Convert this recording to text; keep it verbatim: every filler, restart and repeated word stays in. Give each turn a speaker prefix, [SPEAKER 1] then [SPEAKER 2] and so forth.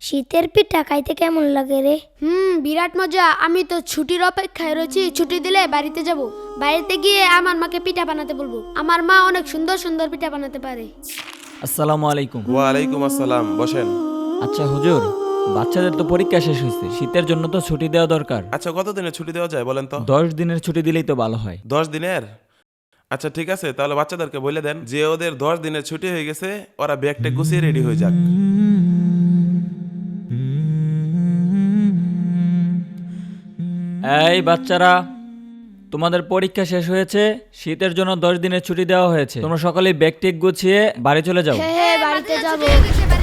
[SPEAKER 1] শীতের পিঠা খাইতে কেমন লাগে রে?
[SPEAKER 2] হুম বিরাট মজা। আমি তো ছুটির অপেক্ষায় রয়েছি। ছুটি দিলে বাড়িতে যাব। বাড়িতে গিয়ে আমার মাকে পিঠা বানাতে বলবো। আমার মা অনেক সুন্দর সুন্দর পিঠা বানাতে পারে।
[SPEAKER 3] আসসালামু আলাইকুম।
[SPEAKER 4] ওয়ালাইকুম আসসালাম, বসেন।
[SPEAKER 3] আচ্ছা হুজুর, বাচ্চাদের তো পরীক্ষা শেষ হয়েছে, শীতের জন্য তো ছুটি দেওয়া দরকার।
[SPEAKER 4] আচ্ছা, কত দিনের ছুটি দেওয়া যায় বলেন তো?
[SPEAKER 3] দশ দিনের ছুটি দিলেই তো ভালো হয়।
[SPEAKER 4] দশ দিনের? আচ্ছা ঠিক আছে, তাহলে বাচ্চাদেরকে বলে দেন যে ওদের দশ দিনের ছুটি হয়ে গেছে, ওরা ব্যাগটা গুছিয়ে রেডি হয়ে যাক।
[SPEAKER 3] এই বাচ্চারা, তোমাদের পরীক্ষা শেষ হয়েছে, শীতের জন্য দশ দিনের ছুটি দেওয়া হয়েছে। তোমরা সকালে ব্যাগ টেক গুছিয়ে বাড়ি চলে যাও।
[SPEAKER 2] হ্যাঁ বাড়িতে যাব।